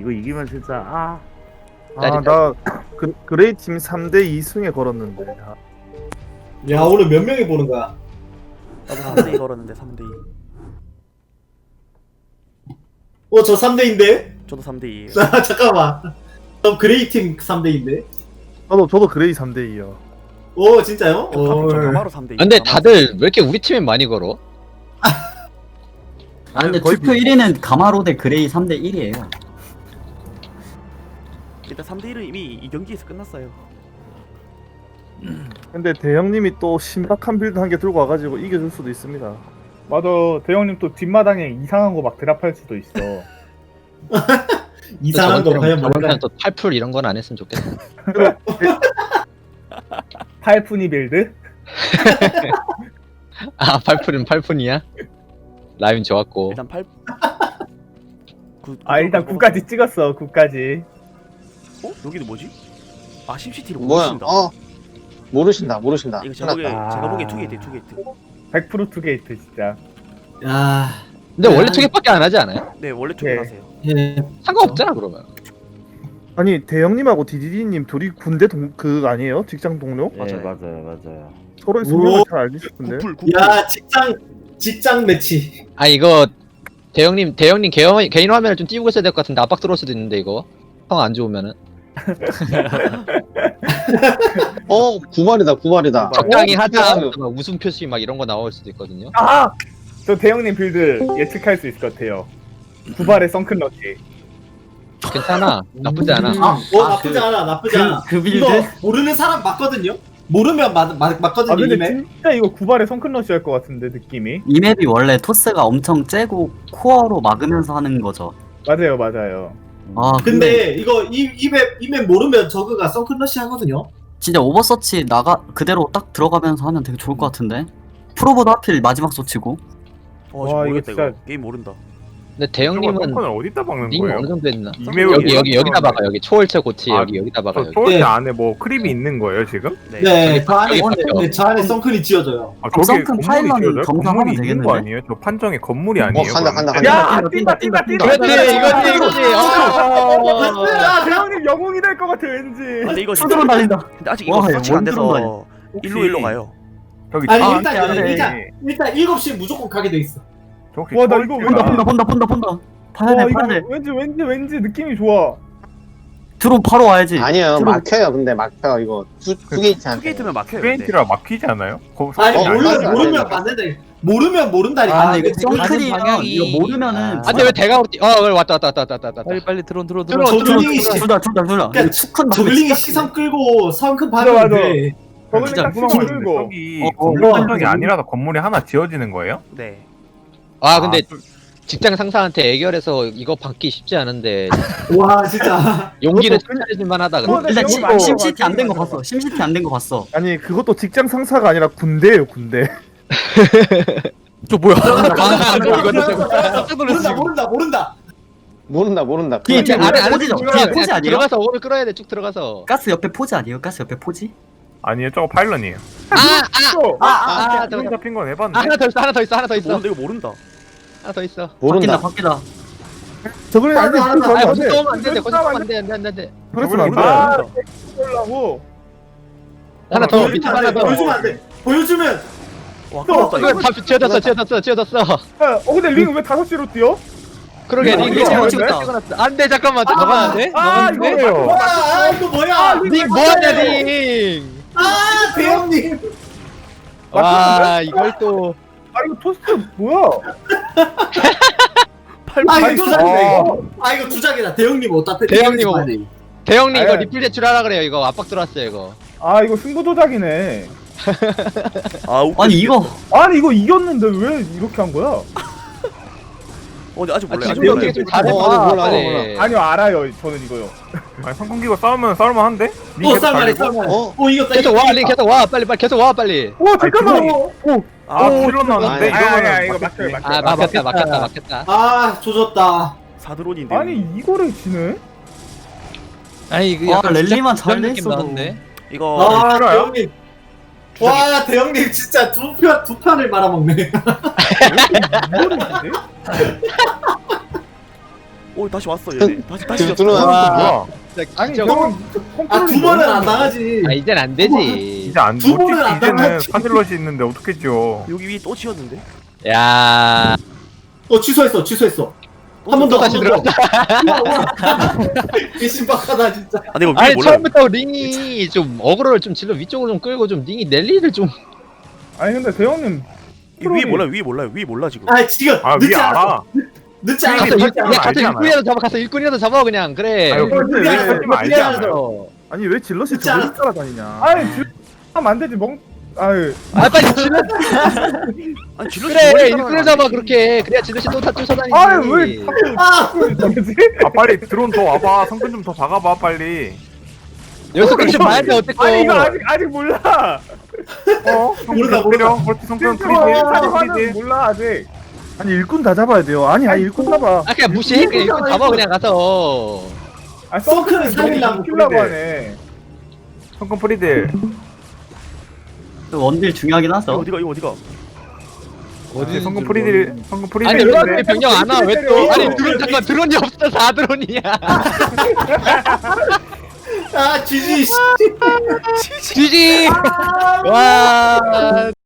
이거 이기면 진짜 나 그레이 팀 3대 2승에 걸었는데. 야 오늘 몇 명이 보는 거야? 나도 3대2 걸었는데 3대2. 저 3대인데? 저도 3대2. 잠깐만. 그럼 그레이 팀 3대인데? 저도 그레이 3대 2요. 오 진짜요? 저 가마로 3대2. 근데 다들 왜 이렇게 우리 팀에 많이 걸어? 아 근데 거의 투표 1위는 가마로 대 그레이 3대 1이에요. 일단 3대1은 이미 이 경기에서 끝났어요. 근데 대형님이 또 신박한 빌드 한 개 들고 와가지고 이겨줄 수도 있습니다. 맞아. 대형님 또 뒷마당에 이상한 거 막 드랍할 수도 있어. 이상한 거 과연 저번 뭘까? 편 또 팔풀 이런 건 안 했으면 좋겠어. 팔푼이 빌드? 아 팔풀은 팔푼이야? 라임 좋았고. 일단 8. 일단 9까지 찍었어. 9까지. 여기는 뭐지? 아 심시티를 뭐야? 모르신다. 모르신다. 이거 제가 보기에 아. 제가 보기에 투게이트. 100% 투게이트 진짜. 야. 근데 원래 투개밖에 안 하지 않아요? 네 원래 투게이트 네. 하세요. 예. 상관없잖아 그러면. 아니 대형님하고 디디디님 둘이 군대 아니에요? 직장 동료? 네 맞아요. 서로의 성격을 잘 알고 싶은데. 구풀. 야 직장 매치. 아 이거 대형님 개인 화면을 좀 띄우고 있어야 될 것 같은데 압박 들어올 수도 있는데 이거 형 안 좋으면은 구말이다. 적당히 하자 어? 하면서 막 웃음 표시 막 이런 거 나올 수도 있거든요. 저 대형님 빌드 예측할 수 있을 것 같아요. 두발의 썬큰 럭키. 괜찮아 나쁘지 않아. 나쁘지 않아 나쁘지 않아. 그 빌드? 이거 모르는 사람 맞거든요? 모르면 맞거든요 근데 이메. 진짜 이거 9발의 썬큰 럭키 할 것 같은데 느낌이. 이 맵이 원래 토스가 엄청 째고 코어로 막으면서 하는 거죠. 맞아요. 아 근데 이거 이맵 모르면 저그가 선클러시 하거든요? 진짜 오버서치 그대로 딱 들어가면서 하면 되게 좋을 것 같은데. 프로보다 하필 마지막 서치고. 와 와, 모르겠다 이거 이거. 게임 모른다. 근데 대형님은 을 어디다 박는 링 거예요? 어느 정도 했나? 이메일 여기다 박아 여기 초월체 고치 아, 여기다 박아 여기. 초월대 네. 안에 뭐 크립이 있는 거예요 지금? 네, 저 안에 저기 네, 저 안에 선클이 지어져요. 아, 썬큰 건물이 파일럿 지어져요? 검사하면 건물이 있는 거 되겠는데? 아니에요? 저 판정에 건물이 아니에요? 간다. 야, 뛴다. 이거지. 대형님 영웅이 될 것 같아 왠지. 근데 이거 투드론 날린다. 근데 아직 이거 와, 서치가 안 돼서 원드론 일로 가요. 저기 아니 저- 일단 7시에 무조건 가게 돼 있어. 저 혹시 와, 나 이거 본다. 봐야 돼. 왠지 느낌이 좋아. 드론 바로 와야지. 아니요, 들어- 막혀요. 근데 막혀. 이거 투게이트한테. 투게이트면 막혀요. 근데. 트웬티라 막히지 않아요? 아니 어, 말도 안 모르면 되네. 맞는데 모르면 모른다니까. 아, 이거 지금 선클이면 이거 모르면은. 아 근데 왜 대가 왔다. 빨리 드론 저글링이 둘다. 그러니까 축한 저글링이 시선 끌고 성큰 맞아. 받으면 돼. 저번에 진짜 딱 구멍 시선 있는데 끌고. 저기 건물 건물 판정이 아니라서 건물이 하나 지어지는 거예요? 네. 아 근데 직장 상사한테 애결해서 이거 받기 쉽지 않은데 와 진짜. 용기를 찾아내줄 만하다. 근데. 일단 너무 많이 심시티 안 된 거 맞아. 봤어. 심시티 안 된 거 봤어. 아니 그것도 직장 상사가 아니라 군대예요 군대. 저 뭐야? 모른다. 뒤에 아래 포지죠. 뒤에 포지 아니에요? 들어가서 오를 끌어야 돼. 쭉 들어가서. 가스 옆에 포지 아니에요? 가스 옆에 포지? 아니에요, 저거 파일런이에요. 저거. 잡힌 건 해봤는데. 하나 더 있어. 모른다 이거 모른다. 하나 더 있어. 바뀐다. 저번에 아니 알아. 그거 아, 안 거기서 돼. 쏘면 안 돼. 거기서 쏘면 안 돼. 그래서 안 돼. 보려고. 하나 더. 밑에 하나 더. 보여주면 안 돼. 보여주면 와 끝났다 이거 이거. 다 지어졌어. 근데 링 왜 5시로 뛰어? 그러게 이거 링 이거 찍었다. 안돼 잠깐만. 너가 안 돼? 이거 와 이거 뭐야? 링 뭐하냐 링. 대형님. 와 이걸 또. 이거 토스트 뭐야? 이거 두작이네 이거. 이거 두작이다. 대형님 어따 대형님 대형님 이거 아유. 리필 제출하라 그래요. 이거 압박 들어왔어요 이거. 이거 승부 조작이네. 아니 이거 아니 이거 이겼는데 왜 이렇게 한 거야? 근데 아직 몰라요. 아직 지금 몰라요. 어떻게 좀 잘해봐. 몰라. 빨리. 아니요 알아요 저는 이거요. 아니 성공 기고 싸우면 싸울만한데? 쌀만해. 이겼다. 계속 와 링 계속 와 빨리 계속 와 빨리. 잠깐만. 필런 나왔는데 이거 이거는 막혀요. 아 막혔다. 조졌다. 사드론인데. 아니 이거를 지네? 아니 이거 약간 랠리만 주작 잘 느낌 냈어도. 나는데. 이거 싫어요? 대형님. 와 대형님 진짜 두 판을 말아먹네. 이거를 지네? 오 다시 왔어 얘네. 다시 지금 졌어. 들어와. 뭐야? 아니 진짜 형은 아, 두 번은 안 당하지. 아 이젠 안 되지. 이제 안 두 번은 안 이제는 당하지. 파질럿이 있는데 어떻게 지어? 여기 위 또 치웠는데? 야 취소했어. 한 번 더, 한 번 더. 개신박하다, 진짜. 아 내가 위에 아니 몰라. 처음부터 링이 좀 어그로를 좀 질러 위쪽으로 좀 끌고 좀 링이 랠리를 좀. 아니 근데 대형님 위에 몰라 위에 몰라 지금. 아, 지금. 아 늦지 위에 않았어. 알아. 늦지 가서 않았어. 일- 늦지 그냥 않았어. 가서 알지 일꾼이라도 잡아 가서 일꾼이라도 잡아 그냥 그래. 아유, 근데 늦지 왜 않았어. 하지만 알지 늦지 않아요? 않았어. 아니 왜 질럿이 진짜. 저걸 따라다니냐? 아니 하면 안 되지 멍 아유 아 빨리 질러. 아니 질럿이 그래 저걸 일꾼을 따라가는 잡아 거야. 그렇게 그래야 질럿이 또 다 쫓아다니지. 아유 왜 자꾸 아, 저러지? 아 빨리 드론 더 와봐. 성근 좀 더 박아봐 빨리. 여기서 끝이 봐야 돼 어쨌건. 아니 이거 아직 몰라. 모르다. 그렇지 성근 사람 프리딜. 하는 몰라 아직. 아니 일꾼 다 잡아야 돼요. 아니 일꾼 잡아. 아 그냥 무시해 그냥 일꾼 잡아 그냥 가서. 아 서클을 서클을 살리려고 키려고 그래. 하네. 성근 프리딜. 원딜 중요하긴 이거 하죠. 어디가? 어디 성근 프리딜. 성근 프리딜. 아니 왜 병력 안 와? 왜 또? 아니 때려. 드론 잠깐 드론이 없어 4드론이야. 아, 지지. GG. 와.